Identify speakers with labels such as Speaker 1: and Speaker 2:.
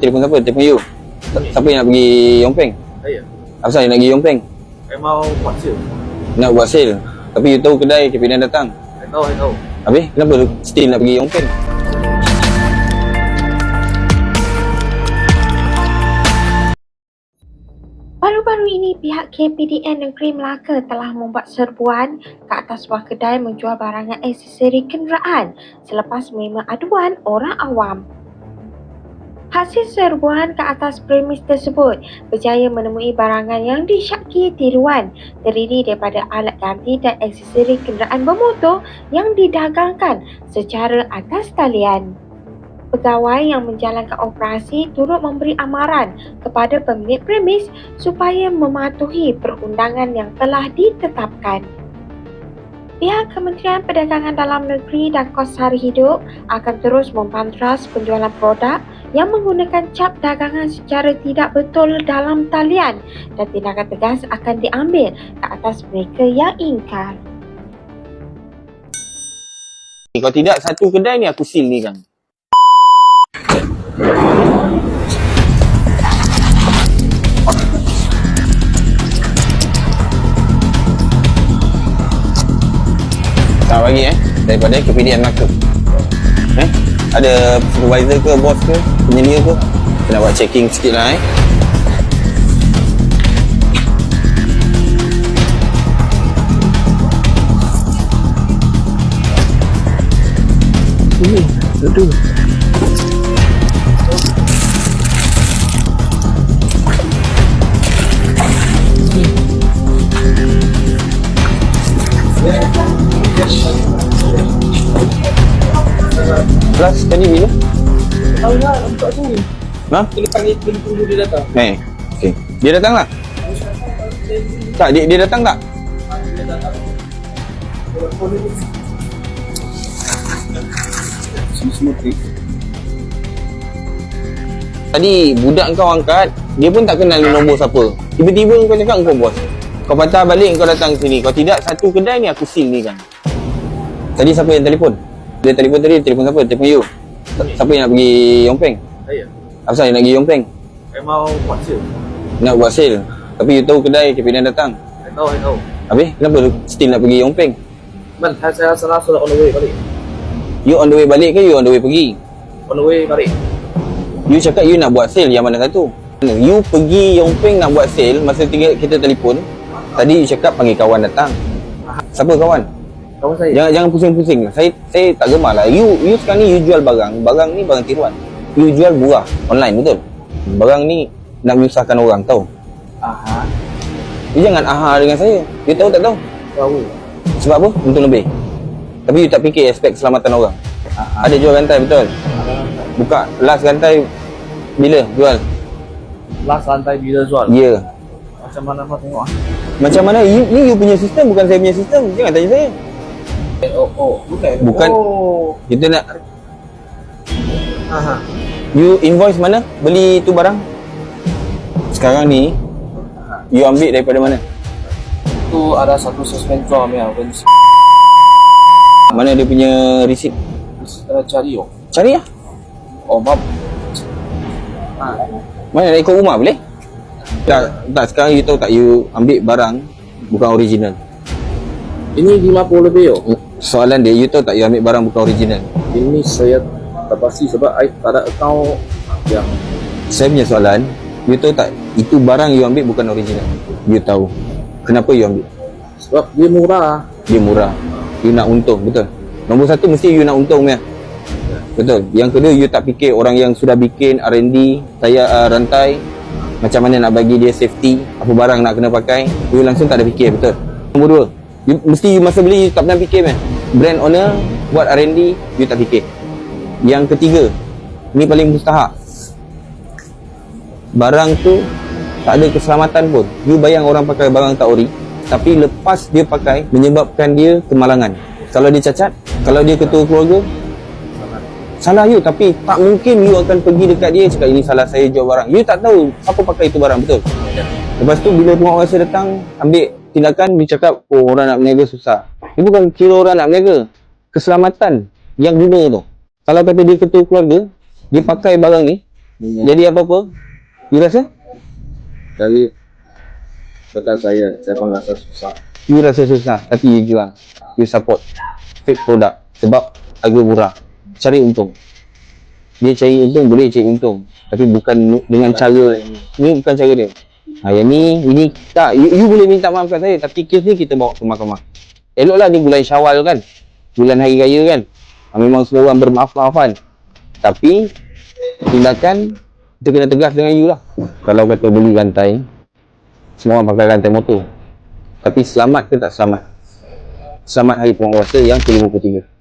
Speaker 1: telefon siapa? Telefon you. Siapa yang nak pergi Yongpeng?
Speaker 2: Saya.
Speaker 1: Apa saya nak pergi Yongpeng?
Speaker 2: Saya mau buat sale.
Speaker 1: Nak buat sale. Tapi you tahu kedai KPDN datang.
Speaker 2: Saya tahu.
Speaker 1: Habis kenapa still nak pergi Yongpeng?
Speaker 3: Baru-baru ini pihak KPDN Negeri Melaka telah membuat serbuan ke atas sebuah kedai menjual barangan aksesori kenderaan selepas menerima aduan orang awam. Hasil serbuan ke atas premis tersebut berjaya menemui barangan yang disyaki tiruan terdiri daripada alat ganti dan aksesori kenderaan bermotor yang didagangkan secara atas talian. Pegawai yang menjalankan operasi turut memberi amaran kepada pemilik premis supaya mematuhi perundangan yang telah ditetapkan. Pihak Kementerian Perdagangan Dalam Negeri dan Kos Sara Hidup akan terus mempanteras penjualan produk yang menggunakan cap dagangan secara tidak betul dalam talian dan tindakan tegas akan diambil ke atas mereka yang ingkar.
Speaker 1: Kalau tidak, satu kedai ni aku seal ni kan. Tak bagi daripada KPDN Melaka. Ada supervisor ke, bos ke, penyelia ke? Kena buat checking sikit lah Aduh. Kelas tadi bila?
Speaker 2: Tahu lah, nampak sini.
Speaker 1: Ha?
Speaker 2: Kena panggil, kena tunggu dia datang.
Speaker 1: Okey. Dia datang lah? Tak, dia datang tak?
Speaker 2: Dia datang.
Speaker 1: Tadi budak kau angkat, dia pun tak kenal nombor siapa. Tiba-tiba kau cakap kau bos. Kau patah balik kau datang sini. Kau tidak, satu kedai ni aku seal ni kan. Tadi siapa yang telefon? Dia telefon tadi, telefon siapa? Telefon you. Siapa yang nak pergi Yongpeng?
Speaker 2: Saya.
Speaker 1: Apa saya nak pergi Yongpeng?
Speaker 2: Saya mau buat sale.
Speaker 1: Nak buat sale. Tapi you tahu kedai KPDN datang.
Speaker 2: Saya tahu.
Speaker 1: Habis kenapa still nak pergi Yongpeng?
Speaker 2: Saya salah sudah on the way balik.
Speaker 1: You on the way balik ke you on the way pergi?
Speaker 2: On the way balik.
Speaker 1: You cakap you nak buat sale, yang mana satu? You pergi Yongpeng nak buat sale, masa kita telefon, tadi you cakap panggil kawan datang. Siapa kawan?
Speaker 2: Kawan saya.
Speaker 1: Jangan pusing-pusing. Saya tak gemar lah. You sekarang ni you jual barang. Barang ni barang tiruan. You jual murah online, betul? Barang ni nak menyusahkan orang, tahu?
Speaker 2: Aha.
Speaker 1: You jangan aha dengan saya. You tahu tak tahu?
Speaker 2: Tahu.
Speaker 1: Sebab apa? Untung lebih. Tapi you tak fikir aspek keselamatan orang.
Speaker 2: Aha.
Speaker 1: Ada jual rantai, betul? Buka last rantai bila jual?
Speaker 2: Last lantai bila jual?
Speaker 1: Ya. Yeah.
Speaker 2: Macam mana mau tengok ah?
Speaker 1: Macam mana? You punya sistem, bukan saya punya sistem. Jangan tanya saya. Bukan.
Speaker 2: Oh.
Speaker 1: Kita nak
Speaker 2: Aha.
Speaker 1: you invoice mana? Beli tu barang? Sekarang ni you ambil daripada mana?
Speaker 2: Tu ada satu suspend drum yang
Speaker 1: Mana dia punya receipt?
Speaker 2: cari
Speaker 1: Cari lah.
Speaker 2: Oh, maaf.
Speaker 1: Mana nak ikut rumah boleh? Tak, sekarang you tahu tak you ambil barang bukan original.
Speaker 2: Ini 50 lebih
Speaker 1: Soalan dia, you tahu tak you ambil barang bukan original?
Speaker 2: Ini saya tak pasti sebab saya tak ada account yang
Speaker 1: Saya punya soalan, you tahu tak itu barang you ambil bukan original? You tahu. Kenapa you ambil?
Speaker 2: sebab dia murah.
Speaker 1: Dia murah. You nak untung, betul? Nombor satu mesti you nak untung ya. Betul. Yang kedua, you tak fikir orang yang sudah bikin R&D, rantai, macam mana nak bagi dia safety, apa barang nak kena pakai, you langsung tak ada fikir, betul? Nombor dua, you masa beli you tak pernah fikir brand owner buat R&D, you tak fikir. Yang ketiga, ni paling mustahak, barang tu tak ada keselamatan pun. You bayang orang pakai barang tak ori, tapi lepas dia pakai menyebabkan dia kemalangan. Kalau dia cacat, kalau dia ketua keluarga, salah you. Tapi tak mungkin you akan pergi dekat dia cakap ini salah saya jual barang. You tak tahu siapa pakai itu barang, betul? Lepas tu bila penguasa datang ambil tindakan, you cakap oh orang nak berniaga susah. Ini bukan kira orang nak berniaga, keselamatan yang guna tu. Kalau kata dia ketua keluarga, dia pakai barang ni, Jadi apa-apa? You rasa?
Speaker 2: Dari rekan saya pun rasa susah.
Speaker 1: You rasa susah, tapi you jual. You support fake product sebab harga murah. Cari untung. Dia cari untung, boleh cari untung. Tapi bukan dengan cara, ni bukan cara dia. Yang ini tak, you boleh minta maaf kat saya, tapi kes ni kita bawa ke mahkamah. Eloklah ni bulan Syawal kan, bulan Hari Raya kan. Memang semua orang bermaaf-maafan. Tapi tindakan kita kena tegas dengan you lah. Kalau kata beli rantai, semua orang pakai rantai motor. Tapi selamat ke tak selamat? Selamat Hari Penguasa yang ke-53.